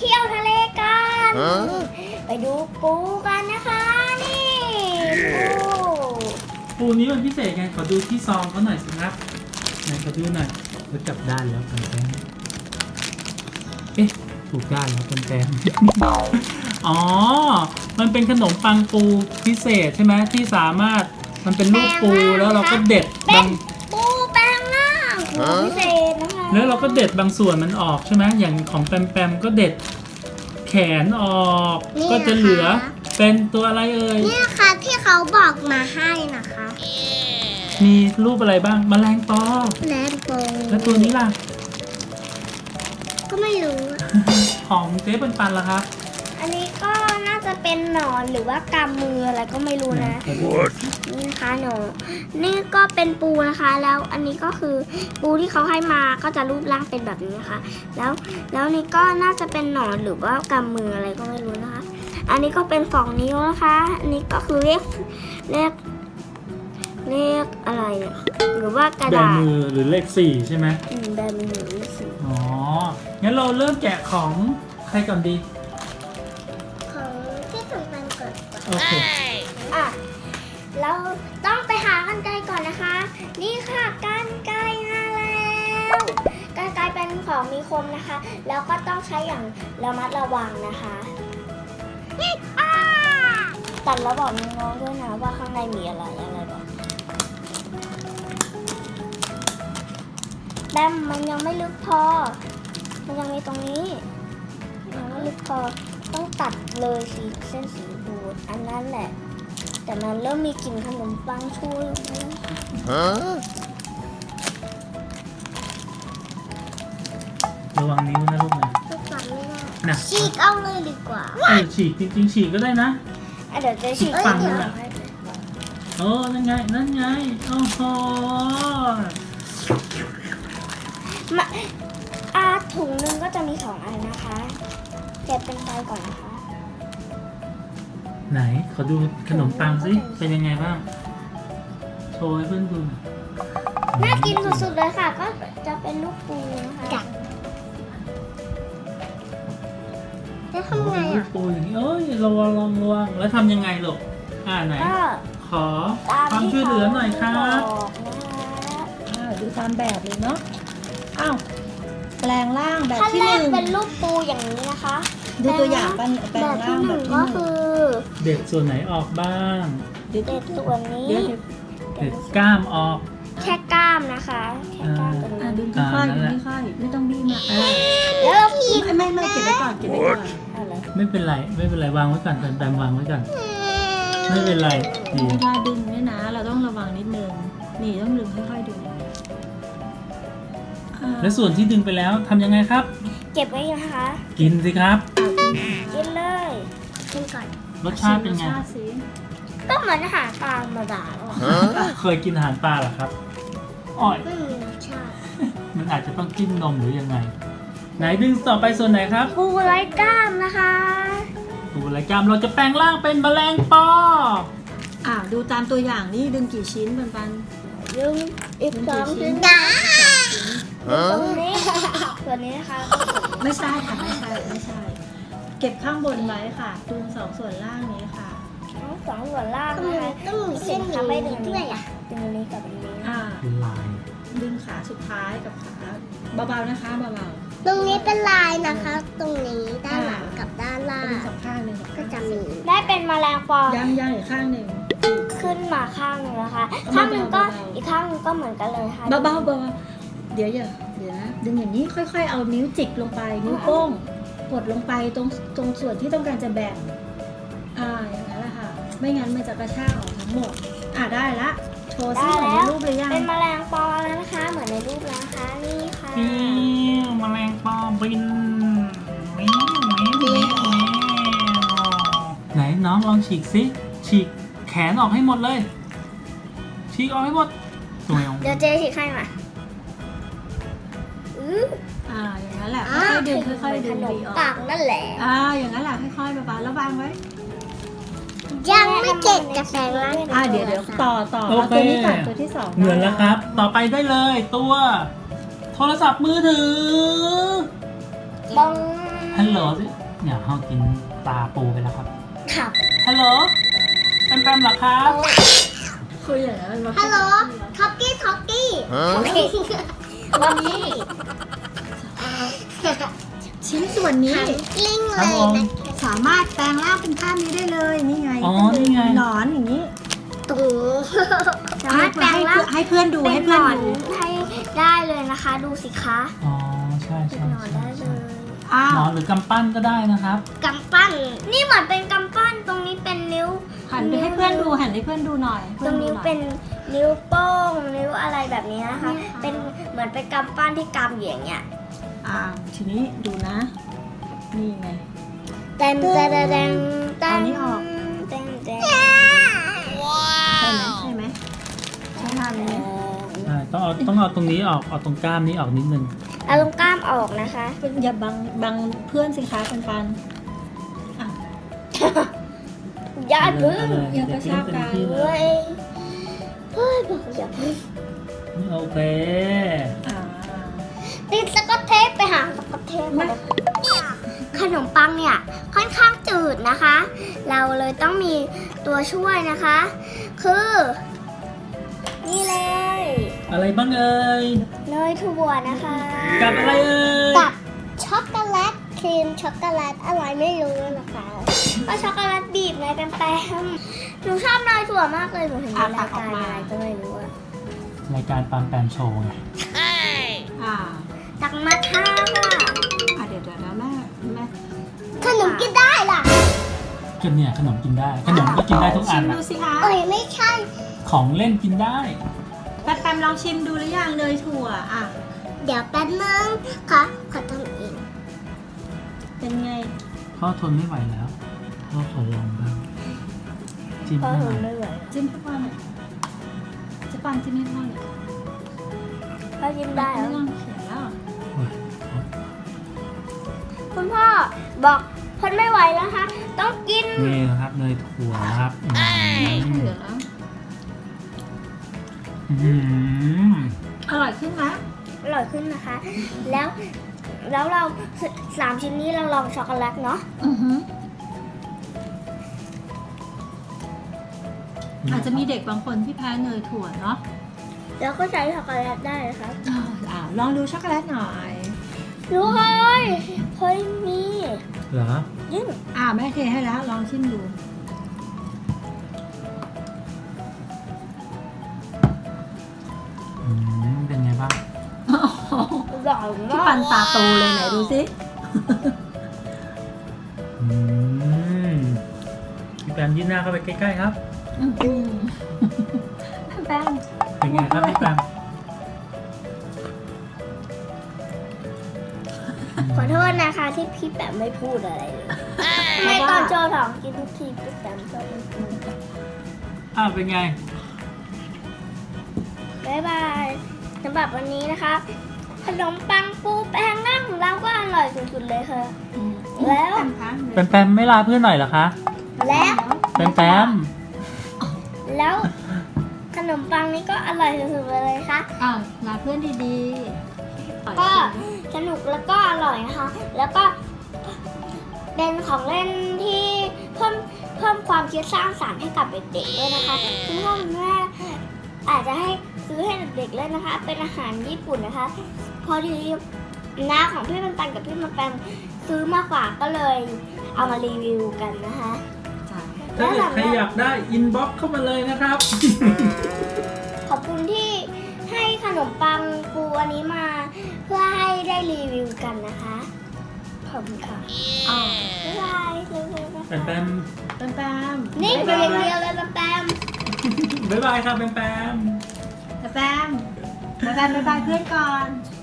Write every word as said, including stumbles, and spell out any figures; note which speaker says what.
Speaker 1: ที่ยวทะเลกันไปดูปูกันนะคะนี่ปู
Speaker 2: ปูนี้มันพิเศษไงขอดูที่ซองเขาหน่อยสิครับไหนขอดูหน่อยแล้วจับด้านแล้วกันแป้งเอ๊ะถูกด้านแล้วกันแป้ง อ๋อมันเป็นขนมปังปูพิเศษใช่ไหมที่สามารถมันเป็นรูปปูแล้วเราก็เด็ด
Speaker 1: เป็
Speaker 2: บาน ง
Speaker 1: ปูแปลงร่างปูพิเศษนะคะ
Speaker 2: แล้วเราก็เด็ดบางส่วนมันออกใช่ไหมอย่างของแปมแปมก็เด็ดแขนออกก็จะเหลือเป็นตัวอะไรเอ่ย
Speaker 1: นี่ค่ะที่เขาบอกมาให้นะคะ
Speaker 2: มีรูปอะไรบ้างแมลงปอ
Speaker 1: แลมโปง
Speaker 2: แล้วตัวนี้ล่ะ
Speaker 1: ก็ไม่รู้
Speaker 2: ของเจ๊ปันปันล่ะครับ
Speaker 1: อันนี้ก็น่าจะเป็นหนอนหรือว่ากำมืออะไรก็ไม่รู้นะ นี่นะคะหนูนี่ก็เป็นปูนะคะ แล้วอันนี้ก็คือปูที่เขาให้มาก็จะรูปร่างเป็นแบบนี้นะคะ แล้วแล้วนี่ก็น่าจะเป็นหนอนหรือว่ากำมืออะไรก็ไม่รู้นะคะ อันนี้ก็เป็นสองนิ้วนะคะ อันนี้ก็คือเลขเลขเลขอะไรเนี่ยหรือว่ากระ
Speaker 2: แบ
Speaker 1: ดาษ
Speaker 2: มือหรือเลขสี่ใช่ไหม
Speaker 1: อืมแบบมือเลขสี่
Speaker 2: อ๋องั้นเราเริ่มแกะของใครก่อนดี
Speaker 1: ของที่ถึงมันเกิด
Speaker 2: โอเค
Speaker 1: อ่ะเราต้องไปหากันไกรก่อนนะคะ นี่ค่ะกันไกรมาแล้วกันไกรเป็นของมีคมนะคะ แล้วก็ต้องใช้อย่างระมัดระวังนะคะตัดแล้วบอกน้องๆด้วยนะว่าข้างในมีอะไรอะไรแบบแบมมันยังไม่ลึกพอ มันยังมีตรงนี้ยังไม่ลึกพอต้องตัดเลยสีเส้นสีบูดอันนั้นแหละ แต่มันเริ่มมีกลิ่นขนมปังช่วยแล้ว
Speaker 2: ระวังนิ้วนะลูกนะ
Speaker 1: ก็ตัดไม่ได้
Speaker 2: นะ
Speaker 1: ฉีกเอาเลยดีกว่า
Speaker 2: เออฉีกจริงๆฉีกก็ได้นะ
Speaker 1: อ่ะเดี๋ยวจะฉีก
Speaker 2: ฝั่งนึ
Speaker 1: เดี๋ย
Speaker 2: ง
Speaker 1: ว
Speaker 2: อะ โอ้นั่นไงนั่นไงโอ้โห
Speaker 1: มาอาถุงหนึงก็จะมีสองอันนะคะเก็บเป็นไฟก่อนนะคะ
Speaker 2: ไหนขอดูขนมปังสิเป็นยังไงบ้างโชว์ให้เพื่อนดูหน่อย
Speaker 1: น่ากินสุดๆเลยค่ะ ก็จะเป็นลูกปูนะคะแล้ว
Speaker 2: โอ้
Speaker 1: ทำไง
Speaker 2: เป็นลู
Speaker 1: อ่ะ
Speaker 2: กปูอย่างนี้เอ้ยระวังระวังระวังแล้วทำยังไงลูกอ่าไหน
Speaker 1: ก็
Speaker 2: ขอ
Speaker 1: ตาม
Speaker 2: ความช่วยเหลือหน่อยครับ
Speaker 1: ที่เขาบอกนะคะ
Speaker 3: อ้าวดูตามแบบเลยเนาะ อ้าว แปลงร่างแบบ
Speaker 1: ขั้น
Speaker 3: ที่
Speaker 1: แร
Speaker 3: ห
Speaker 1: ก
Speaker 3: นึ่ง
Speaker 1: เป็นรูปปูอย่างนี้นะคะ
Speaker 3: ดูตัวอย่างแปลงแปล
Speaker 1: แบ
Speaker 3: ง
Speaker 1: บ
Speaker 3: ร่า
Speaker 1: ที่
Speaker 3: ง
Speaker 1: ห
Speaker 3: แบ
Speaker 1: นึ่
Speaker 3: บ
Speaker 1: ง
Speaker 3: ที่
Speaker 1: ก็
Speaker 3: หนึ่ง
Speaker 1: คือ
Speaker 2: เด็ดส่วนไหนออกบ้าง
Speaker 3: เดี๋ยว
Speaker 1: เด็ดส่วนนี้
Speaker 3: เดี๋ยว
Speaker 2: เด็ดกล้ามออก
Speaker 1: แค่กล้ามนะคะแค่กล้ามตรง
Speaker 3: อ่า
Speaker 1: นี้
Speaker 3: ดึงค่อย
Speaker 2: อ่า
Speaker 3: ๆ
Speaker 2: นั่
Speaker 3: ดึ
Speaker 2: น
Speaker 3: ง
Speaker 2: แหละ
Speaker 3: ค่อยๆไม่ต้องบี้มากอ่า
Speaker 1: แล้วเรากิน
Speaker 3: ไม่ไม่เก็บไว้ก่อนเก็บไว้ก่อน
Speaker 1: อะไร
Speaker 2: ไม่เป็นไรไม่เป็นไรวางไว้ก่อนแบมๆวางไว้ก่อนไม่เป็นไรดี
Speaker 3: เวลาดึงเนี่ยนะ เราต้องระวังนิดนึง นี่ต้องดึงค่อยๆดึงอ่า
Speaker 2: แล้วส่วนที่ดึงไปแล้วทำยังไงครับ
Speaker 1: เก็บไว้นะคะ
Speaker 2: กินสิครับ
Speaker 1: กินเลยกินก่อน
Speaker 2: รสชาติเป็นไง
Speaker 3: รสชาติสิ
Speaker 1: ก็เหมือนอาหารปลาธรรมดาหรอก
Speaker 2: เคยกินอาหารปลาเหรอครับอ่อย
Speaker 1: ไม่มีรสชาติ
Speaker 2: มันอาจจะต้องจิ้มนมหรือยังไง ไหนดึงต่อไปส่วนไหนครับ
Speaker 1: ปูไร้กล้ามนะคะ
Speaker 2: ดูรายการเราจะแปลงร่างเป็นแมลงปอ
Speaker 3: อ่าดูตามตัวอย่างนี่ดึงกี่ชิ้นปันปัน
Speaker 1: ยึงอีกสองชิ้น
Speaker 3: นะ
Speaker 1: ตรงนี้ส่วนนี้นะคะ
Speaker 3: ไม่ใช่ค่ะไม่ใช่ไม่ใช่ เก็บข้างบนไว้ค่ะดูสองส่วนล่างนี้ค่ะ
Speaker 1: ทั้งสองส่วนล่างนะคะต้องมีเส้นทำให้ดึงด้วยอ่ะดึงนี้กับดึงนี้
Speaker 3: อ่า
Speaker 2: เป็นลาย
Speaker 3: ดึงขาสุดท้ายกับขาเบาๆนะคะเบา
Speaker 1: ตรงนี้เป็นลายนะคะ ตรงนี้ด้านหลังกับด้าน
Speaker 3: ๆ
Speaker 1: ล่า
Speaker 3: ดึง
Speaker 1: ง
Speaker 3: สองข้างหนึ่งสอง
Speaker 1: ก็
Speaker 3: ข้าง
Speaker 1: จะมี ได้เป็นแมลงปอ
Speaker 3: ย่างย่างอีกข้างหนึ่ง
Speaker 1: ขึ้นมาข้างหนึ่งนะคะ
Speaker 3: เบาๆ
Speaker 1: ข้างหนึ่งก็
Speaker 3: เบาๆ
Speaker 1: อีกข้างหนึ่งก็เหมือนกันเลยค่ะ
Speaker 3: เบาๆเบาๆเดี๋ยวอย่าเดี๋ยวนะดึงอย่างนี้ค่อยๆ เอานิ้วจิกลงไปนิ้วโป้งกดลงไปตรงตรงส่วนที่ต้องการจะแบ่งอ่าอย่างนั้นแหละค่ะ ไม่งั้นมันจะกระชากออกทั้งหมดอ่าได้ละโชว์ซิ
Speaker 1: ได้
Speaker 3: เหมือน
Speaker 1: แล้
Speaker 3: ใน
Speaker 1: ว
Speaker 3: รูปเลยยัง
Speaker 1: เป็นแมลงปอแล้วนะคะ เหมือนในรูปแล้วนะคะนี่ค่ะ
Speaker 2: ฟิวแมลงปอบินวิววิววิวไหนน้องลองฉีกสิฉีกแขนออกให้หมดเลย ฉีกออกให้หมดตัวเอง
Speaker 1: เดี๋ยวเจ๊ฉีกให้มาอื้อ
Speaker 3: อ่าอย่างนั้นแหละค่อยๆดึงค่อยๆดึง
Speaker 1: ขนม
Speaker 3: ดีออก
Speaker 1: ปังนั่นแหละ
Speaker 3: อ่าอย่างนั้นแหละค่อยๆเบาๆแล้ววางไว้
Speaker 1: ยังไม่เจ็ดจะแปลงร่าง
Speaker 3: อ่าเดี๋ยวเดี๋ยวต่อต่อเอาตัวนี้ก่อนตัวที่สอง
Speaker 2: เหมือนแล้วครับ ต่อไปได้เลยตัว โทรศัพท์มือถือ
Speaker 1: บ้อง
Speaker 2: ฮัลโหลสิเนี่ยเขากินปลาปูไปแล้วครับ
Speaker 1: ครับ
Speaker 2: ฮัลโหลแปมแปมเหรอครับ
Speaker 3: คุยอย่างนั้นมันมา
Speaker 1: ฮัลโหลท็อกกี้ท็อกกี้โอเค
Speaker 3: วันนี้ชิ้นส่วนนี้
Speaker 1: กลิ้ง
Speaker 2: ค
Speaker 1: เล
Speaker 2: รับ
Speaker 1: ย
Speaker 2: ผม
Speaker 1: นะ
Speaker 3: สามารถแปลงร่างเป็นภาพนี้ได้เลยนี่ไง
Speaker 2: อ๋อนี่ไง
Speaker 3: หนอนอย่างนี้
Speaker 1: ตูสามารถแปลงร่าง
Speaker 3: ให้เพื่อนดู
Speaker 1: เป็
Speaker 3: ให้
Speaker 1: นหน
Speaker 3: เพื่อน
Speaker 1: อน
Speaker 3: ดู
Speaker 1: ให้ได้เลยนะคะ ดูสิคะ
Speaker 2: อ๋อใช่
Speaker 1: เป็น
Speaker 2: ใช่
Speaker 1: หนอน
Speaker 2: ใช่
Speaker 1: ได้เล
Speaker 2: ใช่
Speaker 1: ย
Speaker 3: อ้า
Speaker 2: หน
Speaker 3: ว
Speaker 2: อนหรือกำปั้นก็ได้นะครับ
Speaker 1: กำปั้น นี่เหมือนเป็นกำปั้น ตรงนี้เป็นนิ้ว
Speaker 3: หันไปให้เพื่อนดูหันให้เพื่อนดูหน่อย
Speaker 1: ตรงนิ้วเป็นนิ้วโป้ง นิ้วอะไรแบบนี้นะคะ เป็นเหมือนเป็นกำปั้นที่กำอยู่อย่างเงี้ย
Speaker 3: อ้าวทีนี้ดูนะ นี่ไง
Speaker 1: เต็มเต็มเต็มเต็ม
Speaker 3: เอานี้ออก
Speaker 1: เต็มเต็ม
Speaker 3: ใช่ไหมใช่ไหมใช่ทำไหม
Speaker 2: ใช่ต้องเอาต้องเอาตรงนี้ออกเอาตรงกล้ามนี้ออกนิดนึง
Speaker 1: เอาตรงกล้ามออกนะคะ
Speaker 3: อย่าบังบังเพื่อนสิคะปันปันอ่ะ
Speaker 1: อย่าพึ่ง
Speaker 2: เเลย
Speaker 3: อย่ากระชากกัน
Speaker 2: เดี๋ยว
Speaker 1: เฮ้ยเฮ้ยบอกอย่าพึ่ง
Speaker 2: โอเค
Speaker 3: อ่า
Speaker 1: ติดสกอตเทปไปหาสกอตเทปมาเลยขนมปังเนี่ยค่อนข้างจืดนะคะ เราเลยต้องมีตัวช่วยนะคะ คือ นี่เลย
Speaker 2: อะไรบ้างเอ่ย
Speaker 1: เนยถั่วนะคะ
Speaker 2: กับอะไรเอ่ย
Speaker 1: กับช็อกโกแลตครีมช็อกโกแลตอะไรไม่รู้นะคะก็ช็อกโกแลตบีบไงแปมๆหนูชอบเนยถั่วมากเลยหนูเห็นในรายการอะไรก็ไม่รู้อะ
Speaker 2: รายการปามแปมโชว์ไง
Speaker 3: อ่า
Speaker 1: ตักมาท่าค่ะ
Speaker 3: อ่ะเดี๋ยวเดี๋ยวนะแม่แม่
Speaker 1: ขนมกินได้ล่ะ
Speaker 2: ก็เนี่ยขนมกินได้ ขนมก็กินได้ทุกอั
Speaker 3: ชิ
Speaker 2: น
Speaker 3: ม
Speaker 2: อะ
Speaker 3: ดูสิคะ
Speaker 1: เอ้ยไม่ใช่
Speaker 2: ของเล่นกินได้
Speaker 3: แปมแปมลองชิมดูหรือยังเนยถั่วอ่ะ
Speaker 1: เดี๋ยวแป๊บนึงค่ะขอทำเอง
Speaker 3: เป็นไง
Speaker 2: พ่อทนไม่ไหวแล้วพ่อขอลองบ้างจิ้มให้หน่อย
Speaker 1: ไม่ไหว
Speaker 3: จิ้มให้พ่อหน่อยจะปันจิ้มให้พ่อหน่อย
Speaker 1: พ่อยิ้มได้เหร
Speaker 3: ไม่
Speaker 1: อ
Speaker 3: ต้องเขียนแล้ว
Speaker 2: โอ้ย
Speaker 1: คุณพ่อบอกทนไม่ไหวแล้วคะต้องกิน
Speaker 2: นี่นะครับเนยถั่วนะครับอืม
Speaker 3: เหลือแล้ว
Speaker 2: อืม
Speaker 3: อร่อยขึ้นไหม
Speaker 1: อร่อยขึ้นนะคะ แล้วแล้วเราสามชิ้นนี้เราลองช็อกโกแลตเนาะ
Speaker 3: อือฮึอาจจะมีเด็กบางคนที่แพ้เนยถั่วเนาะ
Speaker 1: แล้วก็ใช้ช็อกโกแลตได้นะคะ
Speaker 3: อ่าอ่าลองดูช็อกโกแลตหน่อย
Speaker 1: รู้เลยเคยมี
Speaker 2: เหรอ
Speaker 1: ยิ่ง
Speaker 3: อ่าแม่เทให้แล้วลองชิมดู
Speaker 2: อืมเป็นไงบ้าง
Speaker 1: อร่อย
Speaker 3: พี่
Speaker 1: มา
Speaker 3: ปั
Speaker 1: ก
Speaker 3: นตาโตเลยไหนดูสิ
Speaker 2: อืมพี่แปมยื่นหน้าเข้าไปใกล้ๆครับ
Speaker 3: อื้อหือแป้ง
Speaker 2: เป็นไงครับพี่แปม
Speaker 1: ขอโทษนะคะที่พี่แปมไม่พูดอะไรเลยไม่ตอนโจถองกินทุกทีพี่แปมชอบไม่พูด
Speaker 2: อ้าวเป็นไง
Speaker 1: บ๊ายบายสำหรับวันนี้นะคะขนมปังปูแป้งนั่งของเราก็อร่อยสุดๆเลยค่ะ
Speaker 3: อืม
Speaker 1: แล้ว
Speaker 3: แป้งคะ
Speaker 2: แปมแปมไม่ลาเพื่อนหน่อยเหรอคะ
Speaker 1: และ
Speaker 2: แปมแปม
Speaker 1: แล้วขนมปังนี้ก็อร่อยสุดๆเลยค่ะ
Speaker 3: อ่าลาเพื่อนดีๆปล่อย
Speaker 1: ก็
Speaker 3: สิ
Speaker 1: สนุกแล้วก็อร่อยนะคะ แล้วก็เป็นของเล่นที่เพิ่มเพิ่มความคิดสร้างสรรค์ให้กับเด็กๆด้วยนะคะคุณพ่อคุณแม่อาจจะให้ซื้อให้เด็กๆเล่นนะคะ เป็นอาหารญี่ปุ่นนะคะ พอดีน้าของพี่มันปันกับพี่มันแปมซื้อมากกว่าก็เลยเอามารีวิวกันนะคะ
Speaker 3: จ้ะ
Speaker 2: ถ้าเกิดใครอยากได้อินบ็อกเข้ามาเลยนะครับ
Speaker 1: ขอบคุณที่ให้ขนมปังปูอันนี้มา เพื่อให้ได้รีวิวกันนะคะขอบคุณค่ะ
Speaker 3: อ่า
Speaker 1: บ๊ายบายเร็ว
Speaker 2: แปมแปม
Speaker 3: แป้งแป้ง
Speaker 1: ๆนี่เป็นอย่างเดียวเลยแปม
Speaker 2: บ๊ายบายครับแปมแปม
Speaker 3: แป้งแป้งแป้งบ๊ายบายเพื่อนก่อน
Speaker 1: ๆ